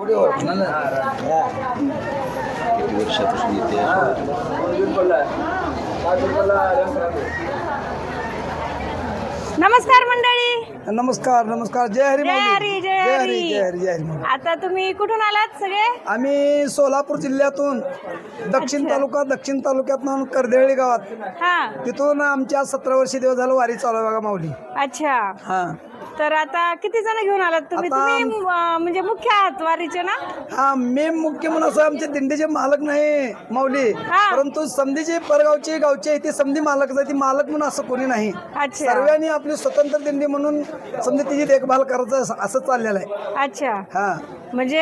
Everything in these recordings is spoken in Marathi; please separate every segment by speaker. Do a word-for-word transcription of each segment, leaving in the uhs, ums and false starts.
Speaker 1: किती वर्षापासून येते
Speaker 2: नमस्कार मंडळी.
Speaker 3: नमस्कार नमस्कार. जय हरी
Speaker 2: जय
Speaker 3: माऊली.
Speaker 2: हरी जय
Speaker 3: जय हरी
Speaker 2: हरी
Speaker 3: जय हरी जय हरी माऊली.
Speaker 2: आता तुम्ही कुठून आलात सगळे?
Speaker 3: आम्ही सोलापूर जिल्ह्यातून दक्षिण
Speaker 2: अच्छा.
Speaker 3: तालुका दक्षिण तालुक्यातून कर्देळी गावात
Speaker 2: हा
Speaker 3: तिथून आमच्या सतरा वर्षी दिवस झालं वारी चालू आहे बघा माऊली.
Speaker 2: अच्छा.
Speaker 3: हा
Speaker 2: तर आता किती जण घेऊन आलात तुम्ही?
Speaker 3: आता-
Speaker 2: तुम्ही अं, म्हणजे मुख्य आहात वारीचे ना?
Speaker 3: हा मी मुख्य म्हणून असं आमचे दिंडीचे मालक नाही माऊली,
Speaker 2: हा.
Speaker 3: परंतु समधीचे परगावचे गावचे आहे ते समधी मालक आहे. ती मालक म्हणून असं कोणी नाही.
Speaker 2: अच्छा.
Speaker 3: सर्वांनी आपली स्वतंत्र दिंडी म्हणून समधी तिची देखभाल करायचं असं- असं चाललेलं आहे.
Speaker 2: अच्छा.
Speaker 3: हा
Speaker 2: म्हणजे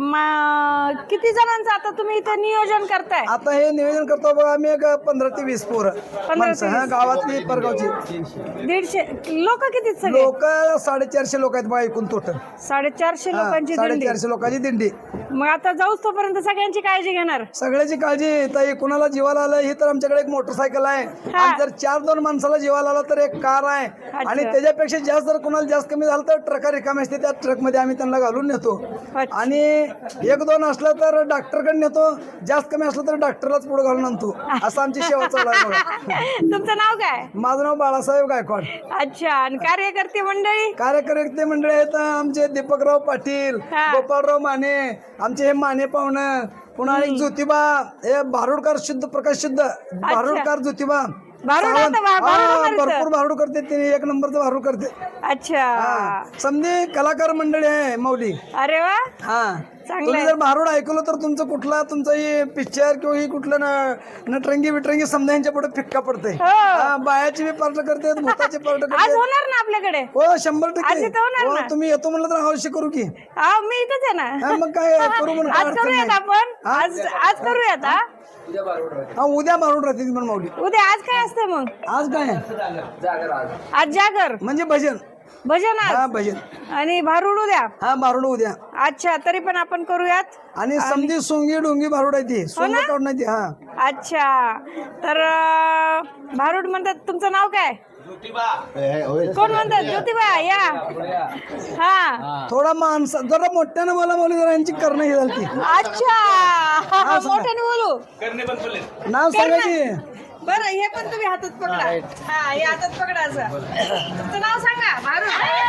Speaker 2: म- किती जणांचं आता तुम्ही इथे नियोजन करताय?
Speaker 3: आता हे निवेदन करतो बघा आम्ही एक पंधरा ते वीस पोरं
Speaker 2: ते
Speaker 3: माणसं हा
Speaker 2: वीस.
Speaker 3: गावातली परगावची
Speaker 2: दीडशे लोक किती सगळे?
Speaker 3: लोक साडेचारशे लोक आहेत बघा एकूण टोटल.
Speaker 2: साडेचारशे लोकांची दिंडी.
Speaker 3: साडेचारशे लोकांची दिंडी.
Speaker 2: मग आता जाऊच तोपर्यंत सगळ्यांची काळजी घेणार.
Speaker 3: सगळ्याची काळजी. ताई कुणाला जीवाला आलं हे तर आमच्याकडे एक मोटरसायकल आहे
Speaker 2: हा.
Speaker 3: आणि जर चार दोन माणसाला जीवाला आला तर एक कार आहे आणि त्याच्यापेक्षा जास्त जर कुणाला जास्त कमी झालं तर ट्रका रिकामी असते त्या ट्रक मध्ये आम्ही त्यांना घालून नेतो.
Speaker 2: अच्छा.
Speaker 3: आणि एक दोन असलं तर डॉक्टरकडे नेतो. जास्त कमी असलं तर डॉक्टरलाच पुढे घालून आणतो. असं आमची सेवा चालू आहे बघा.
Speaker 2: तुमचं नाव काय?
Speaker 3: माझं नाव बाळासाहेब गायकवाड.
Speaker 2: अच्छा. आणि कार्यकर्ते मंडळी?
Speaker 3: कार्यकर्ते मंडळी आहेत आमचे दीपकराव पाटील,
Speaker 2: हा.
Speaker 3: गोपाळराव माने, आमचे हे माने पाहुणं, पुन्हा एक ज्योतिबा हे भारुडकर शुद्ध प्रकाश शुद्ध भारुडकर ज्योतिबा
Speaker 2: भारुड
Speaker 3: सावंत.
Speaker 2: आता भा-
Speaker 3: हा,
Speaker 2: भारुड करतं.
Speaker 3: भरपूर भारुड करते ते एक नंबरचं भारुड करते.
Speaker 2: अच्छा.
Speaker 3: समधी कलाकार मंडळी आहे माऊली.
Speaker 2: अरे वा.
Speaker 3: हा
Speaker 2: चांगलं
Speaker 3: तुम्ही
Speaker 2: आहे.
Speaker 3: जर भारुड ऐकलं तर तुमचं कुठला तुमचं हे पिक्चर किंवा ही कुठलं न- नटरंगी बिटरंगी समजा यांच्या पुढे फिक्का पडते.
Speaker 2: हो.
Speaker 3: हा, बायाची बी पार्ट करते, भूताची पार्ट
Speaker 2: आज
Speaker 3: करते.
Speaker 2: होणार ना आपल्याकडे?
Speaker 3: हो शंभर
Speaker 2: आज
Speaker 3: टक्के.
Speaker 2: इथं होणार
Speaker 3: हो,
Speaker 2: ना?
Speaker 3: तुम्ही येतो म्हणलं तर अवश्य करू की.
Speaker 2: हा मी इथंच आहे ना.
Speaker 3: हा, मग काय करू म्हणून काय
Speaker 2: आज
Speaker 3: अडचण
Speaker 2: करूयात
Speaker 3: नाही.
Speaker 2: आपण.
Speaker 3: हा?
Speaker 2: आज आज करूयात. हा
Speaker 3: हा उद्या भारुड राहते पण माऊली.
Speaker 2: उद्या आज काय असतं मग?
Speaker 3: आज काय
Speaker 2: आज जागर
Speaker 3: म्हणजे भजन.
Speaker 2: भजन
Speaker 3: हा
Speaker 2: आज
Speaker 3: भजन.
Speaker 2: आणि भारुड उद्या.
Speaker 3: हा भारुड उद्या.
Speaker 2: अच्छा. तरी पण आपण करूयात.
Speaker 3: आणि समधी सोंगी डोंगी भारुड आहे ती सोंग काढून नाही ती. हा
Speaker 2: अच्छा. तर अं, भारुड म्हणतात. तुमचं नाव काय? कोण म्हणतात? ज्योतिबा या. हा.
Speaker 3: थोडा माणसा जरा मोठ्यानं बोला माऊली जरा यांची करणं हे झाली ती.
Speaker 2: अच्छा. मोठ्याने बोलू.
Speaker 3: नाव सांगा की.
Speaker 2: बरं हे पण तुम्ही हातात पकडा. हा हे हातात पकडा असं. तुमचं नाव सांगा. भारुड.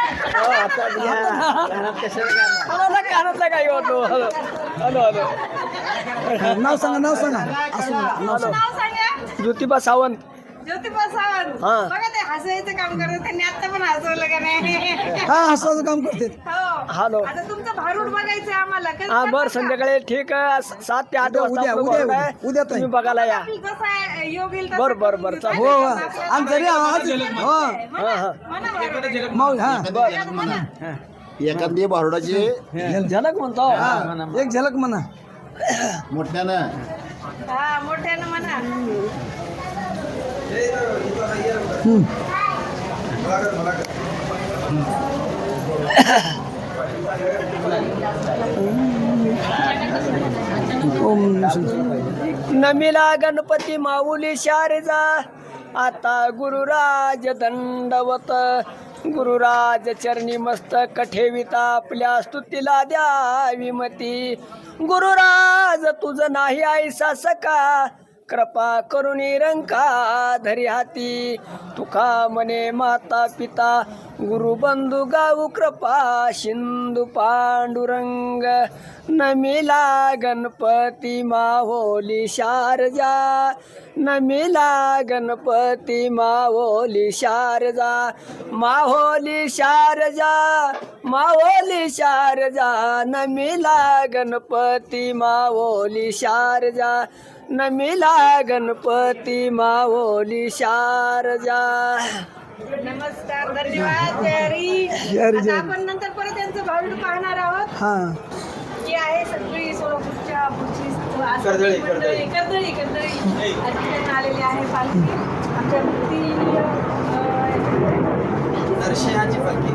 Speaker 3: नाव सांगा नाव सांगा असं नाव सांगा.
Speaker 2: नाव सांगा.
Speaker 4: ज्योतिबा सावंत.
Speaker 2: ज्योतिबा सावंत.
Speaker 4: हा.
Speaker 2: बघा ते हसायचं काम करत त्यांनी आता पण हसवलं का नाही?
Speaker 3: हा हसाचं काम करते.
Speaker 2: हो.
Speaker 4: हॅलो.
Speaker 2: आता तुमचं भारूड बघायचं आम्हाला. कसं
Speaker 4: हा बर
Speaker 2: करता का?
Speaker 4: संध्याकाळी ठीक आहे सात ते आठ
Speaker 3: उद्या,
Speaker 4: वाजता
Speaker 3: उद्या,
Speaker 4: आपलं
Speaker 3: उद्या,
Speaker 4: बरोबर आहे.
Speaker 3: उद्या, उद्या ताई.
Speaker 4: तुम्ही बघायला या.
Speaker 2: आपलं जसं आहे, योग येईल तसं
Speaker 4: बर, बर,
Speaker 2: करून
Speaker 4: बर,
Speaker 2: घेऊ.
Speaker 4: चालेल.
Speaker 3: हो हो
Speaker 2: आपल्याला-
Speaker 3: आणि जरी आज हो
Speaker 4: हा हा
Speaker 2: म्हणा भारूड.
Speaker 3: माऊली हा
Speaker 2: म्हणा.
Speaker 1: एखादी भारुडाची
Speaker 4: झलक म्हणतो.
Speaker 3: हा, एक झलक म्हणा.
Speaker 1: मोठ्यानं
Speaker 2: हा मोठ्यानं म्हणा.
Speaker 4: नमिला गणपती माऊली शारजा आता गुरुराज दंडवत गुरुराज चरणी मस्तक ठेविता आपल्या स्तुतीला द्यावी मती गुरुराज तुझं नाही ऐसा सका कृपा करुणी रंका धरी हाती तुका मने माता पिता गुरुबंधू गाऊ कृपा सिंधू पांडुरंग नमिला गणपती माहोली शारजा नमिला गणपती माहोली शारजा माहोली शारजा माहोली शारजा नमिला गणपती माहोली शारजा नमिला गणपती माहोली शारजा.
Speaker 2: नमस्कार. धन्यवाद. जय हरी.
Speaker 3: जय हरी, जय
Speaker 2: आता
Speaker 3: हरी.
Speaker 2: आपण नंतर परत त्यांचं भारूड पाहणार आहोत.
Speaker 3: हा
Speaker 2: ही आहे सगळी सोलापूरच्या पुढची कर्दळी कर्दळी कर्दळी कर्दळी आलेली आहे पालखी. आमच्या मूर्ती
Speaker 3: नरसिंहाची पालखी.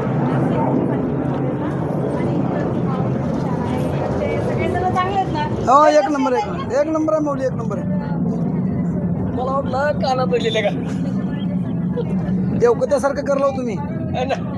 Speaker 2: सगळेजण चांगले आहेत ना?
Speaker 3: हो एक नंबर एक नंबर एक नंबर आहे माऊली एक नंबर आहे.
Speaker 4: मला वाटलं कानात बसलेले का
Speaker 3: देवकत्यासारखं करलो तुम्ही.